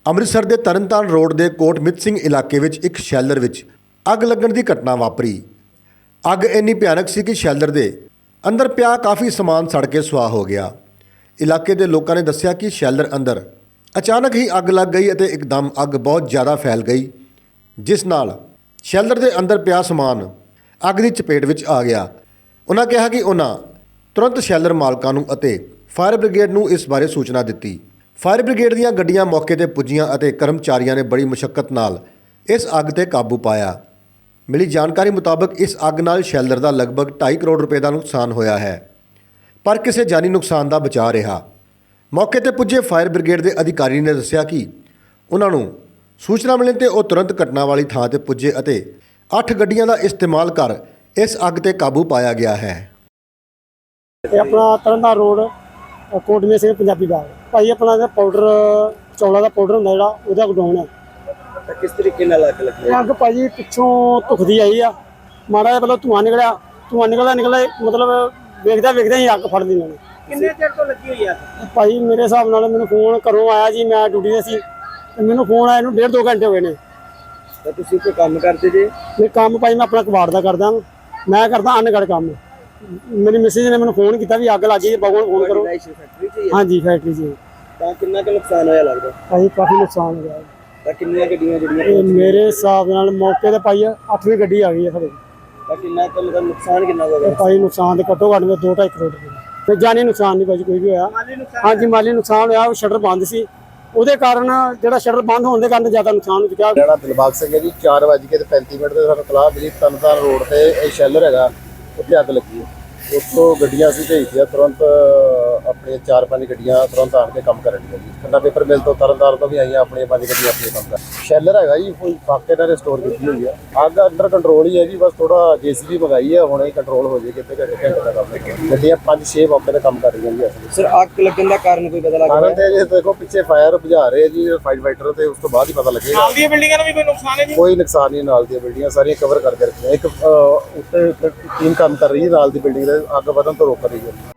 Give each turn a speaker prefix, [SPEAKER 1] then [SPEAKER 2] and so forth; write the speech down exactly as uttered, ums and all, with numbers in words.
[SPEAKER 1] ਅੰਮ੍ਰਿਤਸਰ ਦੇ ਤਰਨਤਾਰਨ ਰੋਡ ਦੇ ਕੋਟਮਿੱਤ ਸਿੰਘ ਇਲਾਕੇ ਵਿੱਚ ਇੱਕ ਸ਼ੈਲਰ ਵਿੱਚ ਅੱਗ ਲੱਗਣ ਦੀ ਘਟਨਾ ਵਾਪਰੀ। ਅੱਗ ਇੰਨੀ ਭਿਆਨਕ ਸੀ ਕਿ ਸ਼ੈਲਰ ਦੇ ਅੰਦਰ ਪਿਆ ਕਾਫੀ ਸਮਾਨ ਸੜ ਕੇ ਸੁਆਹ ਹੋ ਗਿਆ। ਇਲਾਕੇ ਦੇ ਲੋਕਾਂ ਨੇ ਦੱਸਿਆ ਕਿ ਸ਼ੈਲਰ ਅੰਦਰ ਅਚਾਨਕ ਹੀ ਅੱਗ ਲੱਗ ਗਈ ਅਤੇ ਇੱਕਦਮ ਅੱਗ ਬਹੁਤ ਜ਼ਿਆਦਾ ਫੈਲ ਗਈ, ਜਿਸ ਨਾਲ ਸ਼ੈਲਰ ਦੇ ਅੰਦਰ ਪਿਆ ਸਮਾਨ ਅੱਗ ਦੀ ਚਪੇਟ ਵਿੱਚ ਆ ਗਿਆ। ਉਹਨਾਂ ਕਿਹਾ ਕਿ ਉਹਨਾਂ ਤੁਰੰਤ ਸ਼ੈਲਰ ਮਾਲਕਾਂ ਨੂੰ ਅਤੇ ਫਾਇਰ ਬ੍ਰਿਗੇਡ ਨੂੰ ਇਸ ਬਾਰੇ ਸੂਚਨਾ ਦਿੱਤੀ। ਫਾਇਰ ਬ੍ਰਿਗੇਡ ਦੀਆਂ ਗੱਡੀਆਂ ਮੌਕੇ ਤੇ ਪੁੱਜੀਆਂ ਅਤੇ ਕਰਮਚਾਰੀਆਂ ਨੇ ਬੜੀ ਮੁਸ਼ੱਕਤ ਨਾਲ ਇਸ ਅੱਗ ਤੇ ਕਾਬੂ ਪਾਇਆ। ਮਿਲੀ ਜਾਣਕਾਰੀ ਮੁਤਾਬਕ ਇਸ ਅੱਗ ਨਾਲ ਸ਼ੈਲਰ ਦਾ ਲਗਭਗ ਢਾਈ ਕਰੋੜ ਰੁਪਏ ਦਾ ਨੁਕਸਾਨ ਹੋਇਆ ਹੈ, ਪਰ ਕਿਸੇ ਜਾਨੀ ਨੁਕਸਾਨ ਦਾ ਬਚਾਅ ਰਿਹਾ। ਮੌਕੇ ਤੇ ਪੁੱਜੇ ਫਾਇਰ ਬ੍ਰਿਗੇਡ ਦੇ ਅਧਿਕਾਰੀ ਨੇ ਦੱਸਿਆ ਕਿ ਉਹਨਾਂ ਨੂੰ ਸੂਚਨਾ ਮਿਲਣ ਤੇ ਉਹ ਤੁਰੰਤ ਘਟਨਾ ਵਾਲੀ ਥਾਂ ਤੇ ਪੁੱਜੇ ਅਤੇ ਅੱਠ ਗੱਡੀਆਂ ਦਾ ਇਸਤੇਮਾਲ ਕਰ ਇਸ ਅੱਗ ਤੇ ਕਾਬੂ ਪਾਇਆ ਗਿਆ ਹੈ।
[SPEAKER 2] ਇਹ ਆਪਣਾ ਤਰਨਤਾਰਨ ਰੋਡ ਕੋਟਮਿੱਤ ਸਿੰਘ ਪੰਜਾਬੀ ਬਾਗ ਭਾਈ ਆਪਣਾ ਦਾ ਪਾਊਡਰ ਚੌਲਾ ਦਾ ਪਾਊਡਰ ਹੁੰਦਾ ਜਿਹੜਾ ਉਹਦਾ ਗਡਾਊਨ ਹੈ।
[SPEAKER 3] ਤਾਂ ਕਿਸ ਤਰੀਕੇ ਨਾਲ ਅੱਗ ਲੱਗੀ?
[SPEAKER 2] ਇਹ ਅੱਗ ਭਾਜੀ ਪਿੱਛੋਂ ਧੁਖਦੀ ਆਈ ਆ, ਮਾੜਾ ਜਿਹਾ ਪਹਿਲਾਂ ਧੂੰਆਂ ਨਿਕਲਿਆ, ਧੂੰਆਂ ਨਿਕਲਦਾ ਨਿਕਲਦਾ ਮਤਲਬ ਵੇਖਦਾ ਵੇਖਦਾ ਹੀ ਅੱਗ ਫੜ ਲਈ ਇਹਨਾਂ ਨੇ।
[SPEAKER 3] ਕਿੰਨੇ ਚਿਰ ਤੋਂ ਲੱਗੀ ਹੋਈ ਆ?
[SPEAKER 2] ਭਾਈ ਮੇਰੇ ਹਿਸਾਬ ਨਾਲ ਮੈਨੂੰ ਫੋਨ ਘਰੋਂ ਆਇਆ ਜੀ, ਮੈਂ ਡਿਊਟੀ ਤੇ ਸੀ ਤੇ ਮੈਨੂੰ ਫੋਨ ਆਇਆ ਨੂੰ ਡੇਢ ਦੋ ਘੰਟੇ ਹੋ ਗਏ ਨੇ।
[SPEAKER 3] ਤਾਂ ਤੁਸੀਂ ਕੋਈ ਕੰਮ ਕਰਦੇ ਜੇ?
[SPEAKER 2] ਮੈਂ ਕੰਮ ਭਾਈ ਮੈਂ ਆਪਣਾ ਕਬਾੜ ਦਾ ਕਰਦਾ, ਮੈਂ ਕਰਦਾ ਅਨਗੜ ਕੰਮ। ਮੇਰੀ ਮਿਸਿਸ ਨੇ ਮੈਨੂੰ ਫੋਨ ਕੀਤਾ ਵੀ ਅੱਗ ਲੱਗ ਗਈ, ਬਾਬੂ ਨੂੰ ਫੋਨ ਕਰੋ।
[SPEAKER 3] ਫੈਕਟਰੀ 'ਚ ਹੀ ਹੈ?
[SPEAKER 2] ਹਾਂਜੀ ਫੈਕਟਰੀ 'ਚ।
[SPEAKER 3] ਤਾਂ ਕਿੰਨਾ ਕੁ ਨੁਕਸਾਨ ਹੋਇਆ ਲੱਗਦਾ?
[SPEAKER 2] ਭਾਈ ਕਾਫੀ ਨੁਕਸਾਨ ਹੋ ਗਿਆ।
[SPEAKER 3] ਤਾਂ ਕਿੰਨੀਆਂ ਗੱਡੀਆਂ ਜਿਹੜੀਆਂ
[SPEAKER 2] ਇਹ ਮੇਰੇ ਹਿਸਾਬ ਨਾਲ ਮੌਕੇ ਤੇ ਭਾਈ ਅੱਠਵੀਂ ਗੱਡੀ ਆ ਗਈ ਹੈ ਸਾਡੇ।
[SPEAKER 3] ਤਾਂ ਕਿੰਨਾ ਕੁ ਮਤਲਬ ਨੁਕਸਾਨ ਕਿੰਨਾ ਹੋ ਗਿਆ?
[SPEAKER 2] ਭਾਈ ਨੁਕਸਾਨ ਤੇ ਘੱਟੋ ਘੱਟ ਦੋ ਢਾਈ ਕਰੋੜ ਰੁਪਏ ਤੇ ਜਾਨੀ ਨੁਕਸਾਨ ਨਹੀਂ ਭਾਜੀ ਕੋਈ ਵੀ ਹੋਇਆ। ਹਾਂਜੀ ਮਾਲੀ ਨੁਕਸਾਨ ਹੋਇਆ, ਉਹ ਸ਼ਟਰ ਬੰਦ ਸੀ, ਉਹਦੇ ਕਾਰਨ ਜਿਹੜਾ ਸ਼ਟਰ ਬੰਦ ਹੋਣ ਦੇ ਕਾਰਨ ਜ਼ਿਆਦਾ ਨੁਕਸਾਨ ਹੋ ਚੁੱਕਿਆ।
[SPEAKER 4] ਮੇਰਾ ਨਾਮ ਦਿਲਬਾਗ ਸਿੰਘ ਹੈ ਜੀ। ਚਾਰ ਵੱਜ ਕੇ ਤੇ ਪੈਂਤੀ ਮਿੰਟ ਤੇ ਸਾਨੂੰ ਤਲਾਹ ਮਿਲੀ ਤਰਨਤਾਰਨ ਰੋਡ ਤੇ ਇਹ ਸ਼ੈਲਰ ਹੈਗਾ, ਉੱਥੇ ਅੱਗ ਲੱਗੀ ਹੈ। ਉੱਥੋਂ ਗੱਡੀਆਂ ਅਸੀਂ ਭੇਜਤੀਆਂ ਤੁਰੰਤ, ਆਪਣੀਆਂ ਚਾਰ ਪੰਜ ਗੱਡੀਆਂ ਤੁਰੰਤ ਆਣ ਕੇ ਕੰਮ ਕਰਨ ਦੀਆਂ ਜੀ। ਖੰਨਾ ਪੇਪਰ ਮਿਲ ਤੋਂ ਤਰਨਤਾਰਨ ਤੋਂ ਵੀ ਆਈਆਂ, ਆਪਣੀਆਂ ਪੰਜ ਗੱਡੀਆਂ ਆਪਣੇ ਕੰਮ ਕਰ। ਸ਼ੈਲਰ ਹੈਗਾ ਜੀ ਕੋਈ ਫਾਕੇ ਨਾਲ ਸਟੋਰ ਕੀਤੀ ਹੋਈ ਹੈ। ਅੱਗ ਅੰਡਰ ਕੰਟਰੋਲ ਹੀ ਹੈ ਜੀ, ਬਸ ਥੋੜਾ ਜੇਸੀਬੀ ਮੰਗਾਈ ਹੈ, ਹੁਣੇ ਕੰਟਰੋਲ ਹੋ ਜੇ ਕਿਤੇ ਘੰਟੇ ਘੰਟੇ ਦਾ ਕੰਮ ਹੈ। ਗੱਡੀਆਂ ਪੰਜ ਛੇ ਮੌਕੇ ਤੇ ਕੰਮ ਕਰ ਰਹੀਆਂ ਜੀ। ਅਸੀਂ
[SPEAKER 3] ਸਰ ਅੱਗ ਲੱਗਣ ਦਾ ਕਾਰਨ ਕੋਈ ਪਤਾ ਲੱਗਾ?
[SPEAKER 4] ਕਾਰਨ ਤੇ ਜੇ ਦੇਖੋ ਪਿੱਛੇ ਫਾਇਰ ਬੁਝਾ ਰਹੇ ਜੀ ਫਾਈਟ ਫਾਈਟਰ, ਤੇ ਉਸ ਤੋਂ ਬਾਅਦ ਹੀ ਪਤਾ ਲੱਗੇਗਾ।
[SPEAKER 3] ਨਾਲ ਦੀਆਂ ਬਿਲਡਿੰਗਾਂ ਨੂੰ ਵੀ ਕੋਈ ਨੁਕਸਾਨ ਹੈ ਜੀ?
[SPEAKER 4] ਕੋਈ ਨੁਕਸਾਨ ਨਹੀਂ, ਨਾਲ ਦੀਆਂ ਬਿਲਡਿੰਗਾਂ ਸਾਰੀਆਂ ਕਵਰ ਕਰਕੇ ਰੱਖੀਆਂ। ਇੱਕ ਉੱਤੇ ਟੀਮ ਕੰਮ ਕਰ ਰਹੀ ਹੈ ਨਾਲ ਦੀ ਬਿਲਡਿੰਗ ਦੇ ਅੱਗ ਵਧਣ ਤੋਂ ਰੋਕ ਰਹੀ ਹੈ।